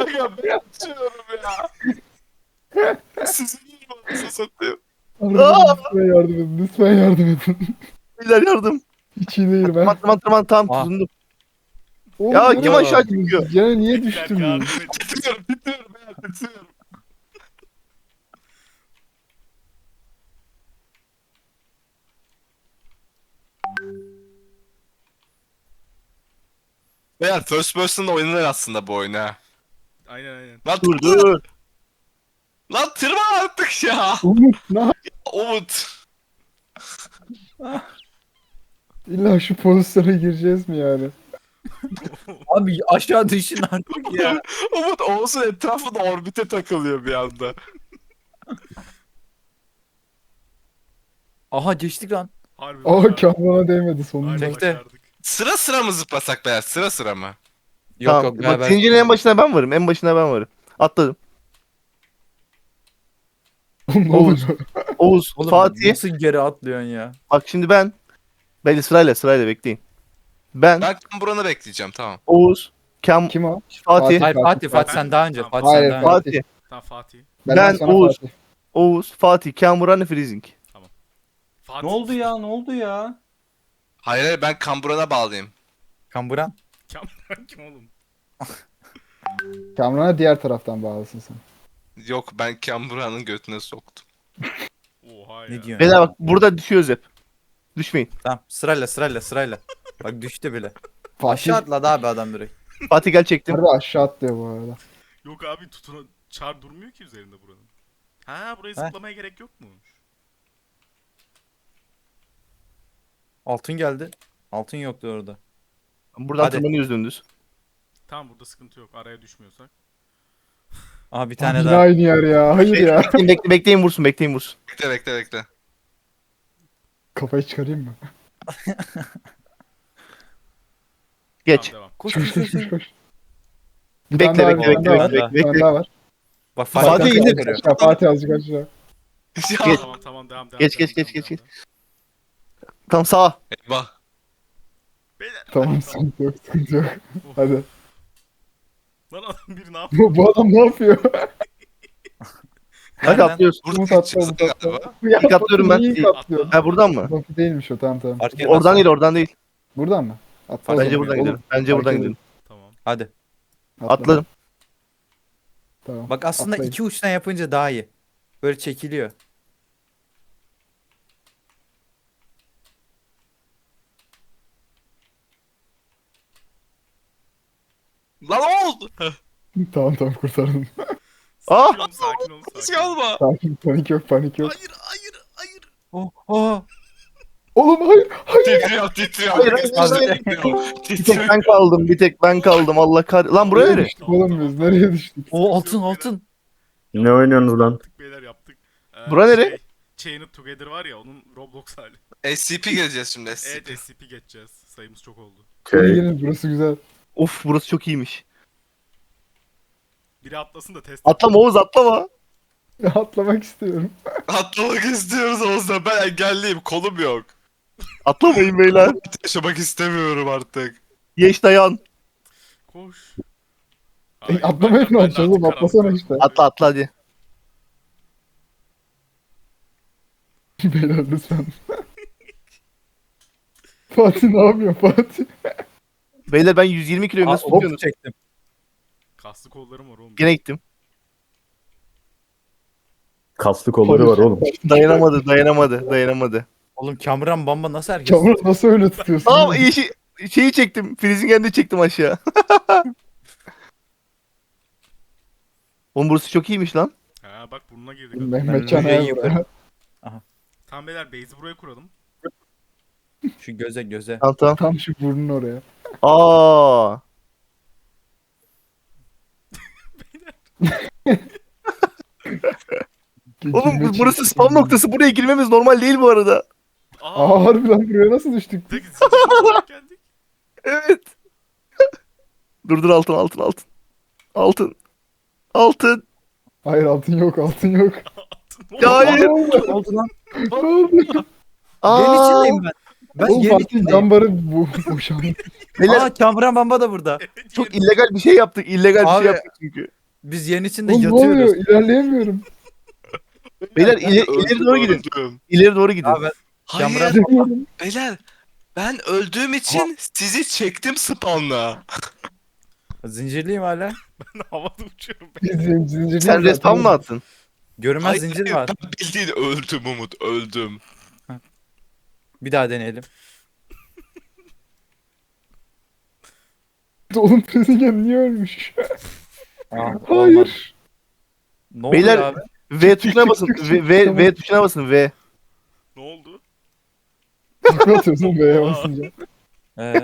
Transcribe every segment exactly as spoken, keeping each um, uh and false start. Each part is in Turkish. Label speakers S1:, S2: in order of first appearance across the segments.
S1: Aga ben açıyorum ya. Sizin gibi olsa satayım.
S2: Allah'ım lütfen yardım edin. Lütfen yardım edin.
S1: Beyler yardım.
S2: Hiç iyi değil
S1: Tamam
S2: ben.
S1: tamam tamam tamam
S3: Aa.
S1: tutundum.
S2: Oğlum,
S1: Ya
S2: nereye
S1: kim aşağı
S2: gittiniz?
S1: çıkıyor?
S2: Gene niye
S4: Beyler
S2: düştünüz?
S4: yardım et.
S1: Titriyorum titriyorum beyler titriyorum. Beyler first person'da oynanır aslında bu oyun ha.
S4: Aynen aynen.
S1: Lan
S5: Dur dur.
S1: Lan tırma artık ya.
S2: Umut ne yap-
S1: Umut.
S2: İlla şu pozisyona gireceğiz mi yani?
S3: Abi aşağı düşün artık ya.
S1: Umut Oğuz'un etrafında orbite takılıyor bir anda.
S3: Aha geçtik lan.
S4: Harbi
S2: Aa
S4: başardık.
S2: kamera değmedi
S4: Harbi
S2: sonunda.
S3: Tekte.
S4: başardık.
S1: Sıra sıra mı zıplasak beyler? Sıra sıra mı?
S3: Yok
S5: Tamam.
S3: yok
S5: Bak
S3: beraber.
S5: zincirin en başına ben varım. En başına ben varım. Atladım.
S2: Ne
S5: Oğuz.
S2: oluyor?
S5: Oğuz,
S3: Oğlum
S5: Fatih.
S3: nasıl geri atlıyorsun ya?
S5: Bak şimdi ben. Belli sırayla sırayla bekleyin. Ben,
S1: Ben buranı bekleyeceğim tamam.
S5: Oğuz, Kam,
S2: Kim o?
S5: Fatih,
S3: Hayır
S2: Fatih,
S3: Fatih Fatih
S4: Fatih.
S3: sen daha önce.
S4: Tamam.
S3: Fatih
S2: Hayır,
S3: sen daha önce.
S5: Fatih,
S4: Tamam Fatih.
S5: Ben,
S2: sana
S5: Oğuz.
S2: Fatih.
S5: Oğuz, Fatih, Kamuran, Freezing.
S4: Fatih.
S6: Ne oldu ya? Ne oldu ya?
S1: Hayır hayır ben kamburana bağlıyım.
S3: Kamburan.
S4: Kamran kim oğlum?
S2: Kamran'a diğer taraftan bağlısın sen.
S1: Yok ben kamburanın götüne soktum.
S4: Oha ya.
S3: Ne diyorsun?
S5: Beyler
S3: ya?
S5: bak burada düşüyoruz hep. Düşmeyin.
S3: Tamam sırayla sırayla sırayla. Bak düştü bile.
S2: Fatih
S3: Aşağı atladı abi adam direkt.
S5: Fatih gel çektim.
S2: harbi aşağı atlıyor bu arada.
S4: Yok abi tutuna çar durmuyor ki üzerinde buranın. Ha buraya
S3: Heh.
S4: zıplamaya gerek yok mu?
S3: Altın geldi. Altın yoktu orada.
S5: Buradan
S3: Hadi.
S5: tırmanıyoruz dümdüz.
S4: Tamam burada sıkıntı yok. Araya düşmüyorsak.
S3: Aha bir
S2: Tane
S3: tane
S2: Yine
S3: daha.
S2: aynı yer ya. Hayır ya.
S5: Bekleyin, bekle, bekleyin vursun, bekleyin vursun.
S1: Bekle bekle bekle.
S2: Kafayı çıkarayım mı?
S5: Geç.
S4: Tamam devam.
S3: Koş
S2: Koş
S3: koş
S2: koş
S3: koş.
S2: koş koş. Bir
S5: Bekle,
S2: tane daha var,
S5: bekle,
S2: bir tane
S3: bekle,
S2: daha var,
S3: bekle,
S2: bir tane
S5: bekle.
S2: daha var.
S3: Bak
S5: Fatih
S3: Fatih
S5: indir.
S3: azıcık vuruyor.
S2: Aşağı, Fatih azıcık aşağı.
S4: Tamam
S5: Geç.
S4: tamam tamam devam devam.
S5: Geç,
S4: devam,
S5: geç,
S4: devam,
S5: geç, geç,
S4: devam,
S5: geç.
S4: devam.
S5: Tam sağa.
S1: Eyvah.
S4: Beyler.
S2: Tamam
S4: hadi,
S2: sıkıntı yok sıkıntı yok.
S4: Oh.
S2: Hadi.
S4: Lan adam biri ne yapıyor?
S2: Bu, bu adam ne yapıyor?
S5: Hadi
S3: Nereden?
S5: atlıyoruz.
S2: Umut atla Umut atla.
S1: Galiba.
S2: Ya,
S5: İlk atlıyorum ben.
S2: İlk
S5: İlk-
S2: atlıyorum.
S5: Ha buradan mı?
S2: Bak değilmiş o tamam tamam.
S3: Fark etmez.
S5: Oradan değil, oradan değil.
S2: Buradan mı? Atla.
S3: Fark
S2: o
S5: Bence
S2: zaman.
S5: buradan
S2: Oğlum,
S5: gidelim. Bence
S2: fark
S5: buradan
S2: edelim.
S5: gidelim.
S4: Tamam.
S3: Hadi.
S2: atla.
S5: Atladım.
S2: Tamam.
S3: Bak aslında
S2: Atlayın.
S3: iki uçtan yapınca daha iyi. Böyle çekiliyor.
S1: Lan ne oldu?
S2: Tamam tamam kurtardım.
S5: Ah!
S4: Sakin ol sakin ol
S1: Hiç
S4: sakin ol.
S1: kalma.
S2: Sakin panik yok panik yok.
S4: Hayır hayır hayır.
S3: Oh, oh.
S2: Oğlum hayır.
S1: Titriyor titriyor.
S5: Hayır,
S1: Herkes
S5: hayır,
S1: titriyor.
S5: Bir tek
S1: Titriyor.
S5: ben kaldım, bir tek ben kaldım. Allah kar... Lan buraya
S2: Nereye
S5: nere?
S2: düştük oğlum biz? Nereye düştük?
S3: Oh altın altın.
S6: Ne oynuyorsunuz lan?
S4: Yaptık beyler yaptık. Ee,
S5: Bura nere?
S4: Chained Together var ya onun Roblox hali.
S1: S C P geleceğiz şimdi S C P.
S4: Evet S C P geçeceğiz. Sayımız çok oldu.
S2: Hadi
S6: Şey,
S2: gelin burası güzel.
S5: Of burası çok iyiymiş.
S4: Biri atlasın da test
S5: Atlama Oğuz, atlama.
S2: Atlamak istiyorum.
S1: Atlamak istiyoruz Oğuz'la. Ben engelliyim. Kolum yok.
S5: Atlamayın beyler.
S1: Yaşamak istemiyorum artık.
S5: Yeş dayan.
S4: Koş.
S2: E,
S4: Ay,
S2: atlamayı
S4: ben-
S2: ne
S4: ben de
S2: yapacağız oğlum?
S4: artık
S2: Atlasana
S4: karanlık
S2: işte.
S5: Atla atla hadi.
S2: Beyler lütfen. Fatih ne yapıyor Fatih?
S5: Beyler ben yüz yirmi kiloyum,
S3: Aa,
S5: nasıl
S3: hop
S5: tutuyorsunuz?
S3: çektim.
S4: Kaslı kollarım var oğlum.
S5: Gene gittim.
S6: kaslı kolları var oğlum.
S5: Dayanamadı, dayanamadı, dayanamadı.
S3: Oğlum Kamran Bamba nasıl herkes?
S2: Çamur nasıl öyle tutuyorsun?
S5: Tamam iyi şey, şeyi çektim. Freezing de çektim aşağı. Oğlum burası çok iyiymiş lan.
S4: Ha bak burnuna girdik. adam.
S2: Mehmet Can
S3: Ben
S2: Ayar
S3: yukarı-
S2: buraya.
S4: Tamam beyler base'i buraya kuralım.
S3: Şu göze göze.
S5: Tamam tamam.
S2: Tam şu burnun oraya.
S5: Aa. Oğlum
S2: Gülme
S5: bu- burası
S2: çekti.
S5: spam noktası. Buraya girmemiz normal değil bu arada.
S4: Aa,
S2: Aa harbi lan buraya nasıl düştük?
S4: bir dakika, zincir olarak geldik.
S5: Evet. Dur dur altın altın altın. Altın. Altın.
S2: Hayır altın yok altın yok.
S5: Ya hayır.
S2: Ne oldu?
S3: Ne oldu lan?
S2: Ne oldu?
S3: Ben
S5: Aa.
S3: içindeyim ben. Ben
S2: Oğlum
S3: yerin
S2: Fatih
S3: içindeyim.
S2: cambarı bu boşandı.
S5: Beyler
S3: Aa Kamran Bamba da burada.
S4: Evet,
S5: çok
S4: yerim.
S5: illegal bir şey yaptık. İllegal bir
S3: Abi-
S5: şey yaptık çünkü.
S3: Biz yerin içinde
S2: Oğlum ne
S3: yatıyoruz.
S2: oluyor? İlerleyemiyorum.
S5: Beyler
S1: Ben
S5: ileri,
S1: öldüm,
S5: ileri doğru gidin.
S1: öldüm.
S5: İleri doğru gidin.
S3: Abi
S1: Hayır
S3: Kamera-
S2: Gidemiyorum.
S1: beyler. Ben öldüğüm için sizi çektim spawnla.
S3: zincirliyim hala.
S4: Ben havada uçuyorum.
S2: Biz zin- zincirliyiz
S5: Sen
S2: zaten.
S5: respawn mı attın?
S3: Görünmez
S1: Hayır,
S3: zincir
S1: hayır,
S3: var.
S1: ben bildiğin öldüm Umut öldüm.
S3: Bir daha deneyelim.
S2: Oğlum Prezingen niye ölmüş?
S3: Aa, olmadı.
S2: Hayır.
S3: Ne oluyor
S5: Beyler-
S3: abi?
S5: V
S2: Çık,
S5: tuşuna
S2: çık,
S5: basın.
S2: çık, çık,
S5: V, V,
S2: tamam.
S5: V tuşuna basın V.
S4: Ne oldu?
S2: Takla atıyorsun B'ye basınca.
S3: Ee,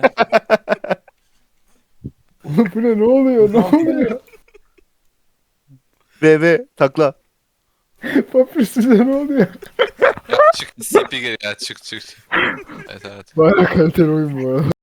S2: Oğlum bu ne? Ne oluyor? Ne oluyor?
S5: V V takla.
S2: Papyrus bize ne oluyor?
S1: Ya çık C P gel ya çık çık. Evet evet.
S2: Bayağı kaliteli oyun bu arada.